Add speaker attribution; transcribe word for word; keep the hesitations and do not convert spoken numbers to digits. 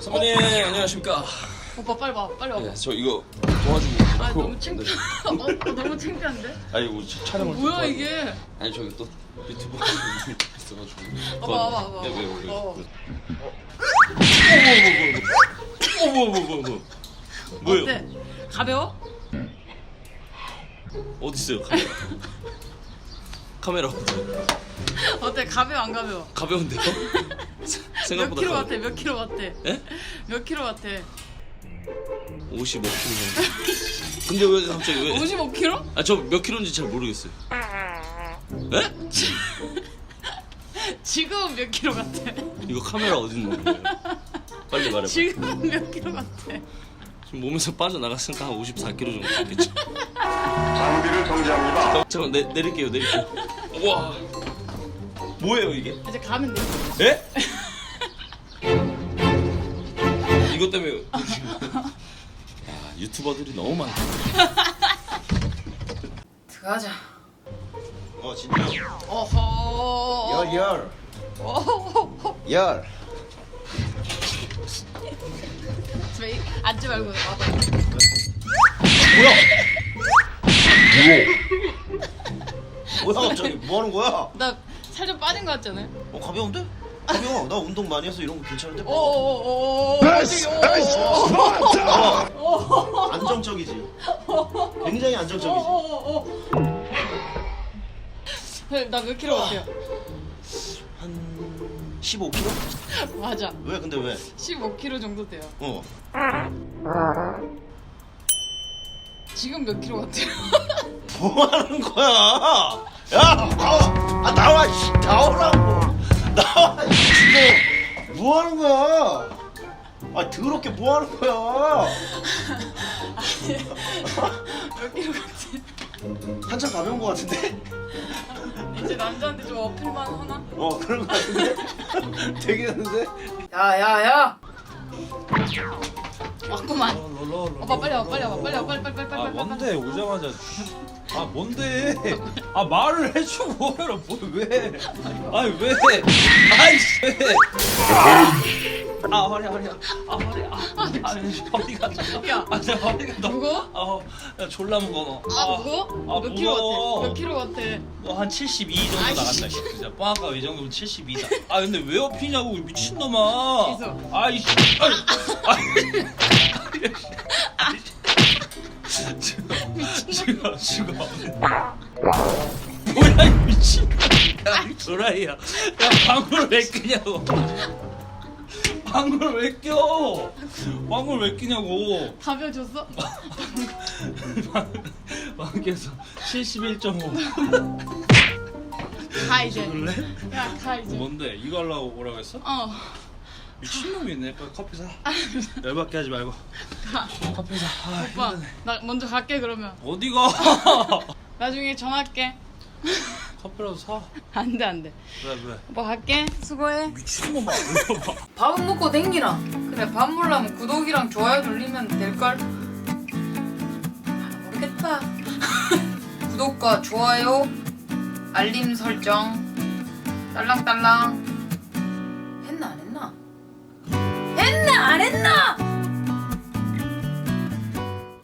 Speaker 1: 선배님 어? 안녕하십니까.
Speaker 2: 오빠 빨리 와, 빨리 와.
Speaker 1: 네, 저 이거 도와주고.
Speaker 2: 아 너무 창피. 어, 어, 너무 창피한데?
Speaker 1: 아니 뭐 촬영을.
Speaker 2: 뭐야
Speaker 1: 도와주-
Speaker 2: 이게?
Speaker 1: 아니 저기 또 유튜브 있어가지고.
Speaker 2: 와봐 와봐 와봐.
Speaker 1: 네, 왜 왜?
Speaker 2: 어.
Speaker 1: 어머 어머 어머 어머. 뭐예요?
Speaker 2: 어때? 가벼워?
Speaker 1: 어디 있어요 카메라? 카메라
Speaker 2: 어때? 가벼워 안 가벼워?
Speaker 1: 가벼운데요?
Speaker 2: 몇
Speaker 1: 생각보다
Speaker 2: 킬로
Speaker 1: 가벼워.
Speaker 2: 같아? 몇 킬로 같아?
Speaker 1: 예?
Speaker 2: 몇 킬로 같아?
Speaker 1: 오십오 킬로 정도. 근데 왜 갑자기 왜?
Speaker 2: 오십오 킬로?
Speaker 1: 아 저 몇 킬로인지 잘 모르겠어요. 예?
Speaker 2: 지금 몇 킬로 같아?
Speaker 1: 이거 카메라 어디 있는 거예요? 빨리 말해봐.
Speaker 2: 지금 몇 킬로 같아?
Speaker 1: 지금 몸에서 빠져나갔으니까 한 오십사 킬로 정도 됐겠죠.
Speaker 3: 장비를 정지합니다.
Speaker 1: 잠깐 내 내릴게요 내릴게요. 와 뭐예요 이게?
Speaker 2: 이제 가면 돼.
Speaker 1: 예? 이것 때문에 지금 야 유튜버들이 너무 많다.
Speaker 2: 들어가자.
Speaker 3: 어 진짜.
Speaker 2: 어허.
Speaker 3: 열 열.
Speaker 2: 어허.
Speaker 3: 열.
Speaker 2: 저기 앉지 말고 와봐.
Speaker 3: 뭐야? 뭐야 갑자기 뭐 하는 거야?
Speaker 2: 나 살 좀 빠진 거 같잖아요.
Speaker 3: 어 가벼운데? 가벼워. 나 운동 많이 해서 이런 거 괜찮은데?
Speaker 2: 오오오오.
Speaker 3: 어, 안정적이지. 굉장히 안정적이지.
Speaker 2: 나몇 킬로 같아요?
Speaker 3: 한 십오 킬로?
Speaker 2: 맞아.
Speaker 3: 왜 근데 왜?
Speaker 2: 십오 킬로 정도 돼요.
Speaker 3: 어.
Speaker 2: 지금 몇 킬로 같아요?
Speaker 3: 뭐 하는 거야? 야 나와. 아 나와. 씨, 나오라고. 나와. 지금 뭐 하는 거야? 아 더럽게 뭐 하는 거야?
Speaker 2: 몇 킬로 같아?
Speaker 3: 한참 가벼운 거 같은데?
Speaker 2: 이제 남자한테 좀 어필만 하나?
Speaker 3: 어 그런 거 같은데? 되겠는데?
Speaker 2: 야야야! 왔구만. 오빠 빨리 와 빨리 와 빨리 와 빨리 빨리 빨리 빨리
Speaker 4: 아
Speaker 2: 빨리.
Speaker 4: 뭔데 오자마자 아 뭔데 아 말을 해주고 해라 뭐왜 아니 왜 아이씨 아 허리 허리 아 허리 아 아니 허리가
Speaker 2: 야.
Speaker 4: 아내 허리가 너무
Speaker 2: 무거워?
Speaker 4: 아야 졸라 무거워
Speaker 2: 아 무거워?
Speaker 4: 아,
Speaker 2: 몇 킬로
Speaker 4: 무거워.
Speaker 2: 같아? 몇 킬로 같아?
Speaker 4: 너한 칠십이 정도
Speaker 2: 아이씨.
Speaker 4: 나간다 진짜 뻥아까 이 정도면 칠십이다 아 근데 왜 업히냐고 미친놈아
Speaker 2: 있어.
Speaker 4: 아이씨 아이 아이 죽어 죽어 뭐야 이 미친 야 도라이야 야 방구를 왜 끼냐고 방구를 왜 껴? 방구를 왜 끼냐고
Speaker 2: 가벼워졌어?
Speaker 4: 방구에서 칠십일 점 오
Speaker 2: 가 이제.
Speaker 4: 그래?
Speaker 2: 야 가 이제.
Speaker 4: 뭔데? 이거 하려고 뭐라고 했어?
Speaker 2: 어.
Speaker 4: 미친놈이네 빨리 커피 사 열받게 하지 말고
Speaker 2: 가.
Speaker 4: 커피 사 아,
Speaker 2: 오빠
Speaker 4: 힘드네.
Speaker 2: 나 먼저 갈게 그러면.
Speaker 4: 어디가
Speaker 2: 나중에 전화할게.
Speaker 4: 커피라도 사
Speaker 2: 안돼 안돼.
Speaker 4: 왜 왜?
Speaker 2: 오빠 갈게. 수고해.
Speaker 4: 미친놈아
Speaker 2: 밥은 먹고 댕기라. 그래 밥 먹으려면 구독이랑 좋아요 눌리면 될걸? 모르겠다. 구독과 좋아요 알림 설정 딸랑딸랑 했나 안 했나? 했나 안 했나?